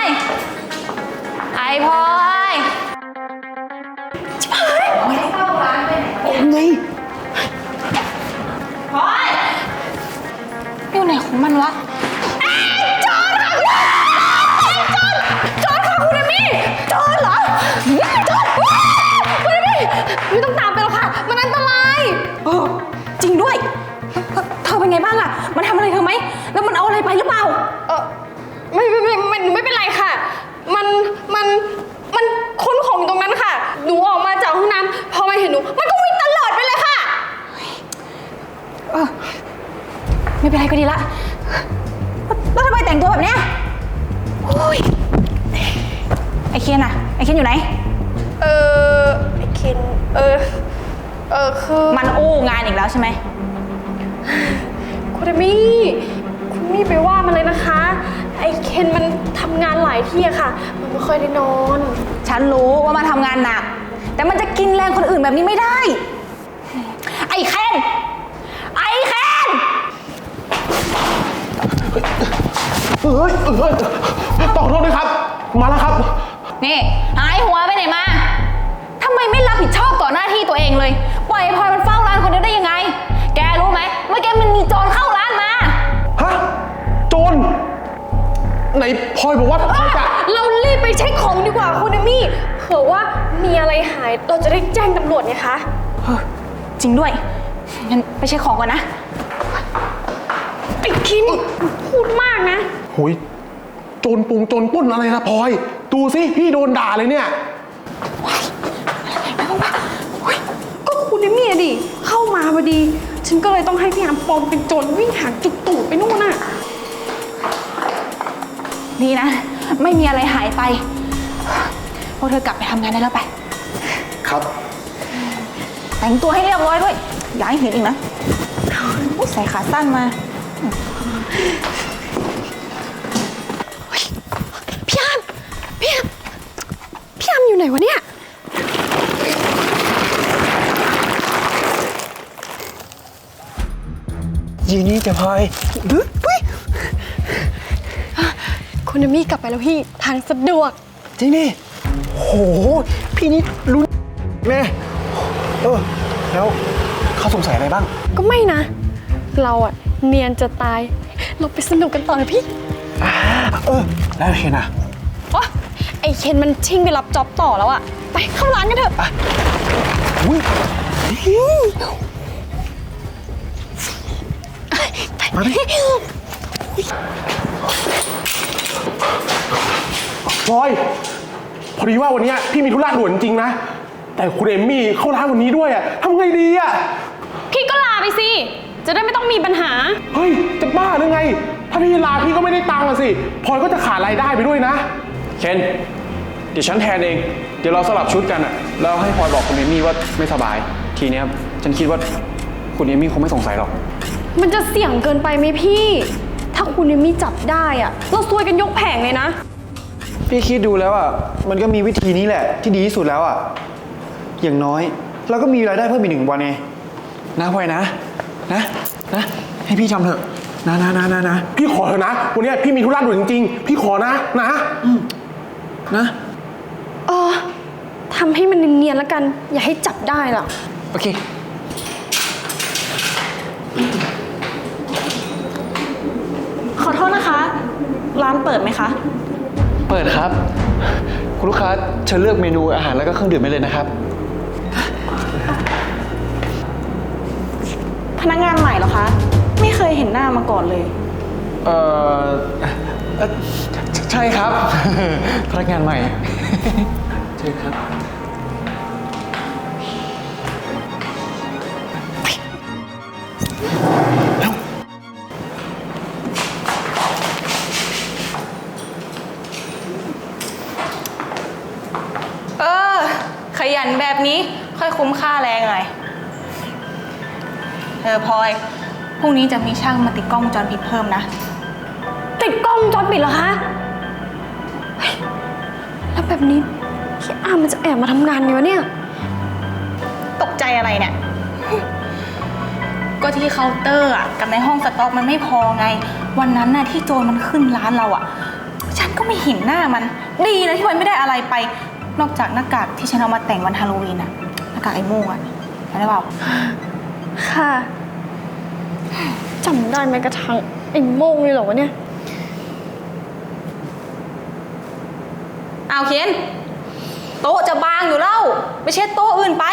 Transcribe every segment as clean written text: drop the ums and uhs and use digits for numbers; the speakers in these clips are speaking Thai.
ยไอพลอยชิบหายไม่ได้เข้าร้านไปไหนวะไงพลอยอยู่ไหนของมันวะโจรค่ะโจรค่ะคุณเอมี่โจรเหรอโจรคุณเอมี่ไม่ต้องตามไปหรอกค่ะมันอันตรายจริงด้วยเธอเป็นไงบ้างอะมันทำอะไรเธอไหมแล้วมันเอาอะไรไปหรือเปล่าไม่เป็นไรค่ะมันค้นของตรงนั้นค่ะหนูออกมาจากห้องน้ำพอมาเห็นหนูมันก็วิ่งตลอดไปเลยค่ะไม่เป็นไรก็ดีละแล้วทำไมแต่งตัวแบบเนี้ยไอเคนอะไอเคนอยู่ไหนไอเคนคือมันอู้งานอีกแล้วใช่ไหมคุณมี่ไปว่ามันเลยนะคะไอเคนมันทำงานหลายที่อะค่ะมันไม่ค่อยได้นอนฉันรู้ว่ามันทำงานหนักแต่มันจะกินแรงคนอื่นแบบนี้ไม่ได้ไอเคนต่อโทษด้วยครับมาแล้วครับนี่หายหัวไปไหนมาทำไมไม่รับผิดชอบต่อหน้าที่ตัวเองเลยปล่อยพลอยมันเฝ้าร้านคนเดียวได้ยังไงแกรู้ไหมว่าแกมันมีโจรเข้าร้านมาฮะโจรไหนพลอยบอกว่าพลอยจะเรารีบไปเช็คของดีกว่าคุณเอมี่เผื่อว่ามีอะไรหายเราจะได้แจ้งตำรวจไงคะจริงด้วยงั้นไปเช็คของก่อนนะไอ้คิมพูดมากนะหุยโจรปล้นอะไรนะพลอยดูสิพี่โดนด่าเลยเนี่ยก็คุณเอมี่ดิเข้ามาพอดีฉันก็เลยต้องให้พี่อามปลอมเป็นโจรวิ่งหาจุดตูดไปนู่นน่ะดีนะไม่มีอะไรหายไปพวกเธอกลับไปทำงานได้แล้วไปครับแต่งตัวให้เรียบร้อยด้วยอย่าให้เห็นอีกนะใส่ขาสั้นมาพี่อามอยู่ไหนวะเนี่ยยีนี่จะพลอยคุณเอมี่กลับไปแล้วพี่ทางสะดวกจริงนี่โหพี่นี่รู้แม่แล้วเขาสงสัยอะไรบ้างก็ไม่นะเราอะเนียนจะตายเราไปสนุกกันต่อเลยพี่แล้วเคนอะไอเคนมันชิ่งไปรับจ็อบต่อแล้วอะไปเข้าร้านกันเถอะมาดิพลอยพอดีว่าวันนี้พี่มีธุระด่วนจริงนะแต่คุณเอมมี่เข้าร้านวันนี้ด้วยอะทำไงดีอะพี่ก็ลาไปสิจะได้ไม่ต้องมีปัญหาเฮ้ยจะบ้าหรือไงถ้าพี่ลาพี่ก็ไม่ได้ตังค์สิพลอยก็จะขาดรายได้ไปด้วยนะเคนเดี๋ยวฉันแทนเองเดี๋ยวเราสลับชุดกันอะแล้วให้พลอยบอกคุณเอมี่ว่าไม่สบายทีนี้ฉันคิดว่าคุณเอมี่คงไม่สงสัยหรอกมันจะเสี่ยงเกินไปไหมพี่ถ้าคุณเอมี่จับได้อะเราซวยกันยกแผงเลยนะพี่คิดดูแล้วอะมันก็มีวิธีนี้แหละที่ดีที่สุดแล้วอะอย่างน้อยเราก็มีรายได้เพิ่มอีก1 วันไงนะพลอยนะให้พี่ทำเถอะนะพี่ขอเถอะนะวันนี้พี่มีธุระด่วนจริงๆพี่ขอนะนะทำให้มันเนียนๆแล้วกันอย่าให้จับได้ล่ะโอเคขอโทษนะคะร้านเปิดไหมคะเปิดครับคุณลูกค้าเชิญเลือกเมนูอาหารแล้วก็เครื่องดื่มได้เลยนะครับพนักงานใหม่เหรอคะไม่เคยเห็นหน้ามาก่อนเลยใช่ครับพนักงานใหม่ใช่ครับขยันแบบนี้ค่อยคุ้มค่าแรงหน่อยพลอยพรุ่งนี้จะมีช่างมาติดกล้องวงจรปิดเพิ่มนะติดกล้องวงจรปิดเหรอคะแล้วแบบนี้พี่อามมันจะแอบมาทำงานไงวะเนี่ยตกใจอะไรเนี่ยก็ที่เคาน์เตอร์กับในห้องสต็อกมันไม่พอไงวันนั้นน่ะที่โจรมันขึ้นร้านเราฉันก็ไม่เห็นหน้ามัน ดีนะที่มันไม่ได้อะไรไป นอกจากหน้ากากที่ฉันเอามาแต่งวันฮาโลวีนอะหน้ากากไอ้โม่งอะจำได้เปล่าค่ะจำได้แม้กระทั่งไอ้โม่งเลยเหรอวะเนี่ยเอาเคนโต๊ะจะบางอยู่แล้วไปเช็ดโต๊ะอื่นไป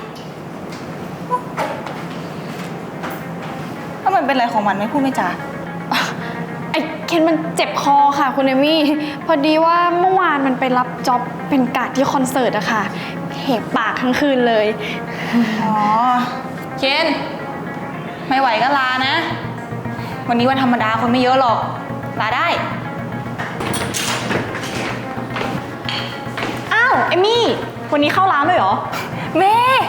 ถ้ามันเป็นอะไรของมันไม่พูดไม่จาไอ้เคนมันเจ็บคอค่ะคุณเอมี่พอดีว่าเมื่อวานมันไปรับจ็อบเป็นการ์ดที่คอนเสิร์ตอะค่ะเหบปากทั้งคืนเลยอ๋อเคนไม่ไหวก็ลานะ วันนี้วันธรรมดาคนไม่เยอะหรอกลาได้อ้าวเอมี่วันนี้เข้าร้านเลยเหรอแม่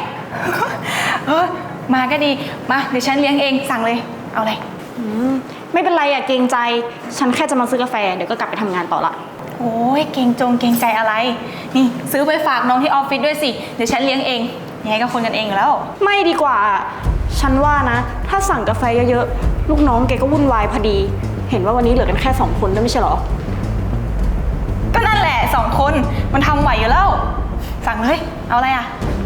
มาก็ดีมาเดี๋ยวฉันเลี้ยงเองสั่งเลยเอาเลยไม่เป็นไรอะเกรงใจฉันแค่จะมาซื้อกาแฟเดี๋ยวก็กลับไปทำงานต่อละโอ้ยเกรงใจอะไรนี่ซื้อไปฝากน้องที่ออฟฟิศด้วยสิเดี๋ยวฉันเลี้ยงเองยังไงก็คนกันเองอยู่แล้วไม่ดีกว่าฉันว่านะถ้าสั่งกาแฟเยอะๆลูกน้องแกก็วุ่นวายพอดี เห็นว่าวันนี้เหลือกันแค่2 คนด้วยไม่ใช่เหรอก็นั่นแหละ2 คนมันทำไหวอยู่แล้ว สั่งเลยเอาอะไรอ่ะ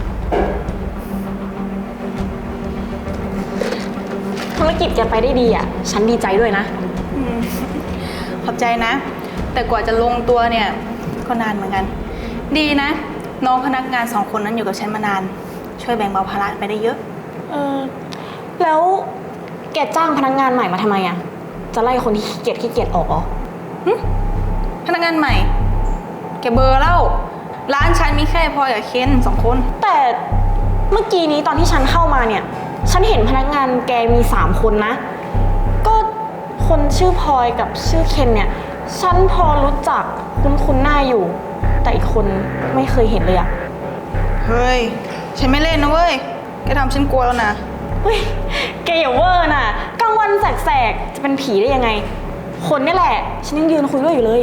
ธุรกิจแกไปได้ดีอ่ะฉันดีใจด้วยนะขอบใจนะ แต่กว่าจะลงตัวเนี่ยก็นานเหมือนกัน ดีนะ น้องพนักงาน2 คนนั้นอยู่กับฉันมานาน ช่วยแบ่งเบาภาระไปได้เยอะแล้วแกจ้างพนักงานใหม่มาทำไมอ่ะจะไล่คนที่ขี้เกียจออกเหรอพนักงานใหม่แกเบอร์เล่าร้านฉันมีแค่พลอยกับเคน2 คนแต่เมื่อกี้นี้ตอนที่ฉันเข้ามาเนี่ยฉันเห็นพนักงานแกมี3 คนนะก็คนชื่อพลอยกับชื่อเคนเนี่ยฉันพอรู้จักคุ้นหน้าอยู่ แต่อีกคนไม่เคยเห็นเลยอะเฮ้ยฉันไม่เล่นนะเว้ยแกทำฉันกลัวแล้วนะเฮ้ยแกอย่าเวอร์น่ะกลางวันแสกๆจะเป็นผีได้ยังไง คนนี่แหละฉันยังยืนคุยด้วยอยู่เลย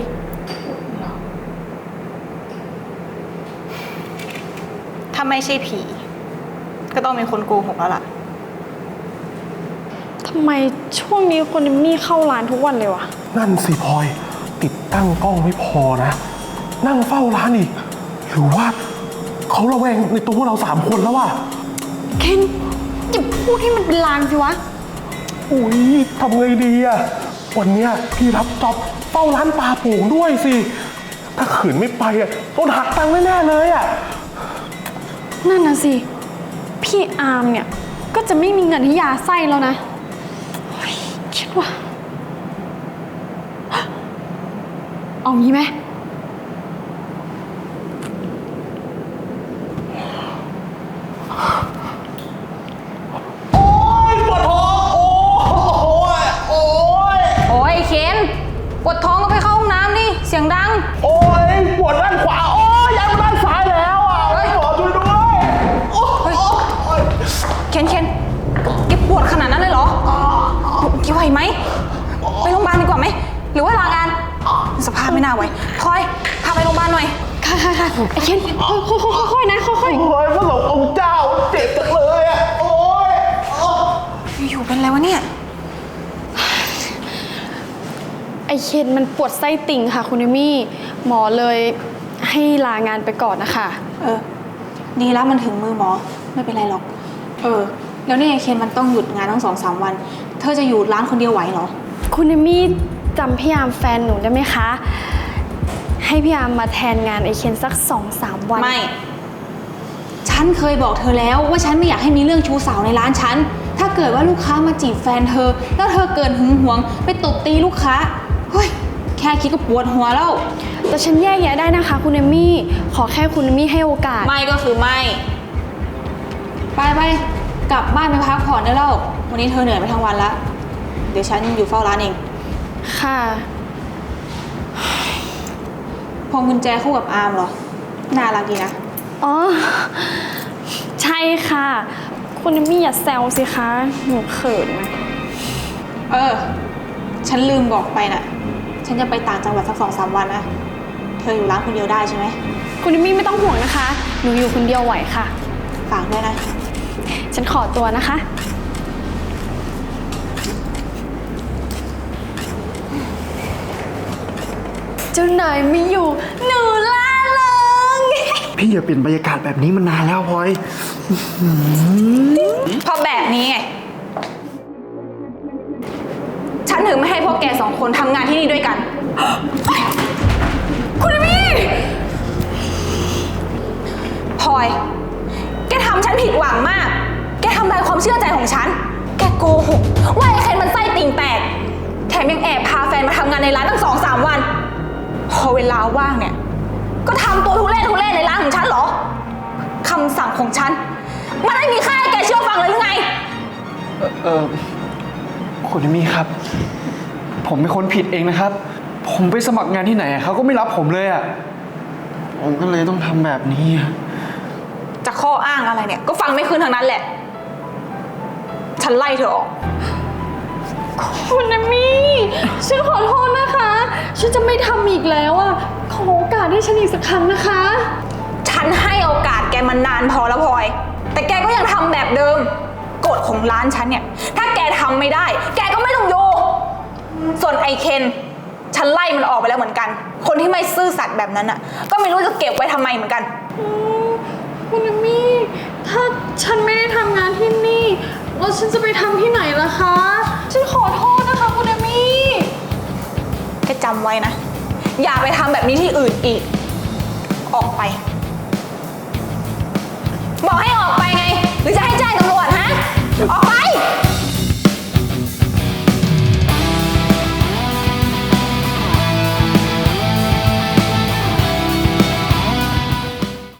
ถ้าไม่ใช่ผีก็ต้องมีคนโกหกแล้วล่ะทำไมช่วงนี้คนมี่เข้าร้านทุกวันเลยวะนั่นสิพลอย ติดตั้งกล้องไม่พอนะ นั่งเฝ้าร้านอีก หรือว่าเขาระแวงในตัวพวกเรา3 คนแล้วว่ะเคนอย่าพูดให้มันเป็นลางสิวะอุ้ยทำไงดีอะวันเนี้ยพี่รับจ็อบเฝ้าร้านปลาโป่งด้วยสิ ถ้าขืนไม่ไปอะโดนหักตังค์แน่ๆเลยอะนั่นน่ะสิ พี่อาร์มเนี่ย ก็จะไม่มีเงินให้ยาไส้แล้วนะเฮ้ยคิดว่า เอางี้ไหมโอ๊ยปวดท้องโอ๊ยโอ๊ยโอ้ยเคนปวดท้องก็ไปเข้าห้องน้ำดิเสียงดังโอ๊ยปวดด้านขวาโอ๊ยย้ายมาด้านซ้ายแล้วอะหมอช่วยด้วยโอ๊ยเคนแกปวดขนาดนั้นเลยเหรอแกไหวไหมไปโรงพยาบาลดีกว่าไหมหรือว่าลางานสภาพไม่น่าไหวพลอยพาไปโรงพยาบาลหน่อยค่ะไอ้เคนค่อยๆนะค่อยโอ๊ยพระสงฆ์องค์เจ้าเจ็บจังเลยอะโอ๊ยอยู่เป็นอะไรวะเนี่ยๆไอ้เคนมันปวดไส้ติ่งค่ะคุณเอมี่ หมอเลยให้ลางานไปก่อนนะคะดีแล้วมันถึงมือหมอไม่เป็นไรหรอกแล้วเนี่ยเคนมันต้องหยุดงานทั้ง2-3 วัน เธอจะอยู่ร้านคนเดียวไหวเหรอคุณเอมี่จำพี่อาร์มแฟนหนูได้ไหมคะ ให้พี่อาร์มมาแทนงานไอเคนสัก 2-3 วันไม่ ฉันเคยบอกเธอแล้วว่าฉันไม่อยากให้มีเรื่องชู้สาวในร้านฉัน ถ้าเกิดว่าลูกค้ามาจีบแฟนเธอ แล้วเธอเกิดหึงหวงไปตบตีลูกค้า เฮ้ย แค่คิดก็ปวดหัวแล้วแต่ฉันแยกแยะได้นะคะคุณเอมี่ ขอแค่คุณเอมี่ให้โอกาสไม่ก็คือไม่ ไปกลับบ้านไปพักผ่อนได้แล้ว วันนี้เธอเหนื่อยไปทั้งวันแล้ว เดี๋ยวฉันอยู่เฝ้าร้านเองค่ะพวงกุญแจคู่กับอาร์มเหรอ น่ารักดีนะอ๋อ ใช่ค่ะ คุณเอมี่อย่าแซวสิคะ หนูเขินนะฉันลืมบอกไปน่ะ ฉันจะไปต่างจังหวัดสัก2-3 วันนะ เธออยู่ร้านคนเดียวได้ใช่ไหมคุณเอมี่ไม่ต้องห่วงนะคะ หนูอยู่คนเดียวไหวค่ะฝากด้วยนะฉันขอตัวนะคะ จจ้านายไม่อยู่ หนูล่าเริงพี่อย่าเปลี่ยนบรรยากาศแบบนี้มานานแล้วพลอยเพราะแบบนี้ไง ฉันถึงไม่ให้พวกแกสองคนทำงานที่นี่ด้วยกัน คุณเอมี่พลอย แกทำฉันผิดหวังมาก แกทำลายความเชื่อใจของฉัน แกโกหกว่าไอ้เคนมันไส้ติ่งแตก แถมยังแอบพาแฟนมาทำงานในร้านตั้ง2-3 วัน พอเวลาว่างเนี่ย ก็ทำตัวทุเล่ในร้านของฉันเหรอ คำสั่งของฉัน มันไม่มีค่าให้แกเชื่อฟังเลยหรือไงคุณเอมี่ครับ ผมเป็นคนผิดเองนะครับ ผมไปสมัครงานที่ไหนเขาก็ไม่รับผมเลยอ่ะ ผมก็เลยต้องทำแบบนี้อะจะข้ออ้างอะไรเนี่ยก็ฟังไม่ขึ้นทางนั้นแหละ ฉันไล่เธอออกคุณเอมี่ฉันขอโทษนะคะ ฉันจะไม่ทำอีกแล้วอ่ะ ขอโอกาสให้ฉันอีกสักครั้งนะคะฉันให้โอกาสแกมานานพอแล้วพลอย แต่แกก็ยังทำแบบเดิมกฎของร้านฉันเนี่ย ถ้าแกทำไม่ได้ แกก็ไม่ต้องอยู่ ส่วนไอเคนฉันไล่มันออกไปแล้วเหมือนกัน คนที่ไม่ซื่อสัตย์แบบนั้นอ่ะ ก็ไม่รู้จะเก็บไว้ทำไมเหมือนกันคุณเอมี่ ถ้าฉันไม่ได้ทำงานที่นี่ แล้วฉันจะไปทำที่ไหนล่ะคะ ฉันขอโทษนะคะคุณเอมี่แกจำไว้นะ อย่าไปทำแบบนี้ที่อื่นอีก ออกไป บอกให้ออกไปไง หรือจะให้แจ้งตำรวจฮะ ออก